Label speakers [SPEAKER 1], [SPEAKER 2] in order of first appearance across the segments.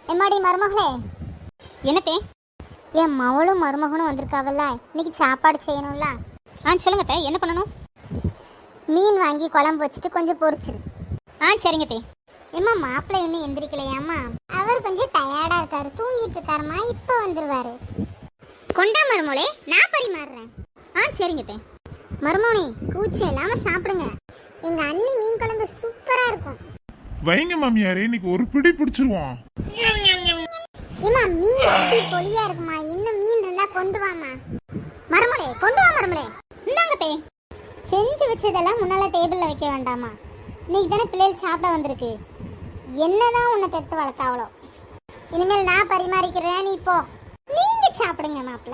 [SPEAKER 1] எம்மாடி மருமகளே. என்னத்தே? என் மவளும் மருமகனும் வந்திருக்காவல்ல, இன்னைக்கு சாப்பாடு செய்யணும்ல. சொல்லுங்க தே, என்ன பண்ணணும்? மீன் வாங்கி குழம்பு வச்சுட்டு கொஞ்சம் பொரிச்சிரு. சரிங்க தே. ஏம்மா மாப்பிள்ளை இன்னும் எந்திரிக்கலையாம்மா? அவர் கொஞ்சம் டயர்டா இருக்காரு, தூங்கிட்டு இருக்காருமா, இப்போ வந்துருவாரு. கொண்டா மருமோளே, நான் பரிமாறுறேன். சரிங்க தே. மருமோனி கூச்சம் இல்லாம சாப்பிடுங்க. எங்க அண்ணி மீன் குழம்பு சூப்பரா இருக்கும்.
[SPEAKER 2] வைங்க மாமியாரே, இன்னைக்கு ஒரு பிடி பிடிச்சிருவோம்.
[SPEAKER 1] ஏமா மீன் எப்படி பொலியா இருக்குமா? இன்னும் மீன் இருந்தா கொண்டு வாமா. மருமலே கொண்டு வா மருமலே. இந்தாங்க தே. செஞ்சு வச்சதெல்லாம் முன்னால டேபிள்ல வைக்க வேண்டாமா? இன்னைக்கு தானே பிள்ளைகள் சாப்பிட வந்திருக்கு. என்னதான் உன்னை பெத்து வளர்த்தாவளோ. இனிமேல் நான் பரிமாறிக்கிறேன், நீ போ. நீங்க சாப்பிடுங்க மாப்பிள்ள.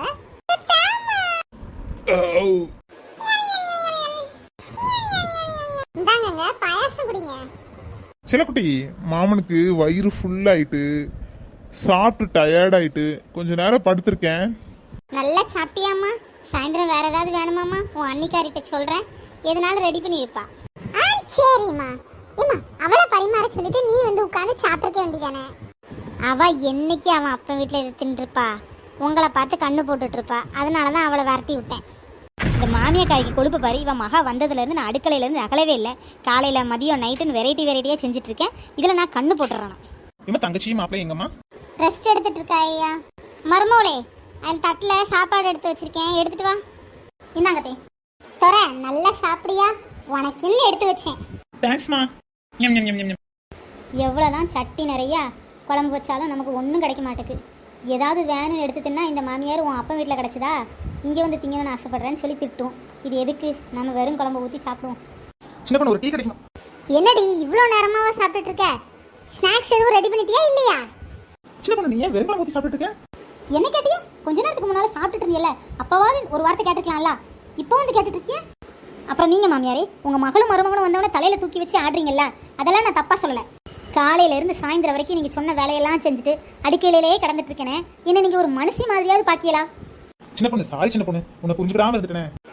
[SPEAKER 1] இந்தாங்க பாயாசம் குடிங்க.
[SPEAKER 2] சிலக்குட்டி, மாமனுக்கு வயிறு ஃபுல்லாயிட்டு சாப்பிட்டு டயர்டாயிட்டு கொஞ்ச நேரம் படுத்திருக்கேன்.
[SPEAKER 1] நல்லா சாப்பிட்டியாம்மா? சாயந்தரம் வேற ஏதாவது வேணுமாம்மா? உன் அன்னிக்காரிட்ட சொல்றேன், எதனாலும் ரெடி பண்ணி வைப்பா. சரிம்மா. ஏம்மா அவளை பரிமாற சொல்லிட்டு நீ வந்து உட்காந்து சாப்பிட்டுக்க வேண்டியதானே? அவ என்னைக்கு அவன் அப்பா வீட்டில் இதை தின்றுப்பா, உங்களை பார்த்து கண்ணு போட்டுட்டு இருப்பா. அதனால தான் அவளை விரட்டி விட்டேன். இந்த மாமியாக்காய்க்கு கொழுப்பு பாரு. இவன் மகா வந்ததுலேருந்து நான் அடுக்கலையிலேருந்து நகலவே இல்லை. காலையில் மதியம் நைட்டுன்னு வெரைட்டியாக செஞ்சுட்டு இருக்கேன். இதில் நான் கண்ணு போட்டுறேன்.
[SPEAKER 3] இம்மா தங்கச்சி மாப்பிள்ளை எங்கம்மா?
[SPEAKER 1] ரெஸ்ட் எடுத்துட்டு இருக்கா ஐயா. மருமோளே, அந்த தட்டில் சாப்பாடு எடுத்து வச்சிருக்கேன், எடுத்துட்டு வா. இந்தாங்க தே. தொற நல்லா சாப்பிடியா? உனக்குன்னு எடுத்து வச்சேன்.
[SPEAKER 3] தேங்க்ஸ்மா.
[SPEAKER 1] எவ்வளோதான் சட்டி நிறையா குழம்பு வச்சாலும் நமக்கு ஒன்றும் கிடைக்க மாட்டேக்கு. ஏதாவது வேணும்னு எடுத்து தின்னா இந்த மாமியார் உன் அப்பா வீட்டில் கிடச்சிதா, இங்கே வந்து திங்கணும்னு ஆசைப்படுறேன்னு சொல்லி திட்டும். இது எதுக்கு? நம்ம வெறும் குழம்பு ஊற்றி சாப்பிடுவோம்.
[SPEAKER 3] சின்ன பொண்ணு ஒரு டீ கிடைக்குமா?
[SPEAKER 1] என்னடி இவ்வளோ நேரமாவா சாப்பிட்டுட்டு இருக்க? ஸ்நாக்ஸ் எதுவும் ரெடி பண்ணிட்டியா இல்லையா?
[SPEAKER 3] சின்ன பொண்ணு நீ ஏன் வெறும் குழம்பு ஊற்றி சாப்பிட்டுட்டு இருக்க?
[SPEAKER 1] என்ன கேட்டியா? கொஞ்ச நேரத்துக்கு முன்னால் சாப்பிட்டுட்டு இருந்தியல்ல, அப்போவாது ஒரு வார்த்தை கேட்டுக்கலாம்ல, இப்போ வந்து கேட்டுட்டு இருக்கியா? அப்புறம் நீங்கள் மாமியாரே, உங்கள் மகளும் மருமகனும் வந்தவொடனே தலையில் தூக்கி வச்சு ஆடுறீங்கல்ல, அதெல்லாம் நான் தப்பாக சொல்லலை. காலையிலேருந்து சாயந்தரம் வரைக்கும் நீங்கள் சொன்ன வேலையெல்லாம் செஞ்சுட்டு அடுக்கையிலேயே கிடந்துட்டு இருக்கேனே, என்ன நீங்கள் ஒரு மனுஷி மாதிரியாவது பாக்கியலா?
[SPEAKER 3] சின்ன பொண்ணு சாரி சின்ன பொண்ணு, உன்னை புரிஞ்சுக்கிடாம இருந்துட்டேனே.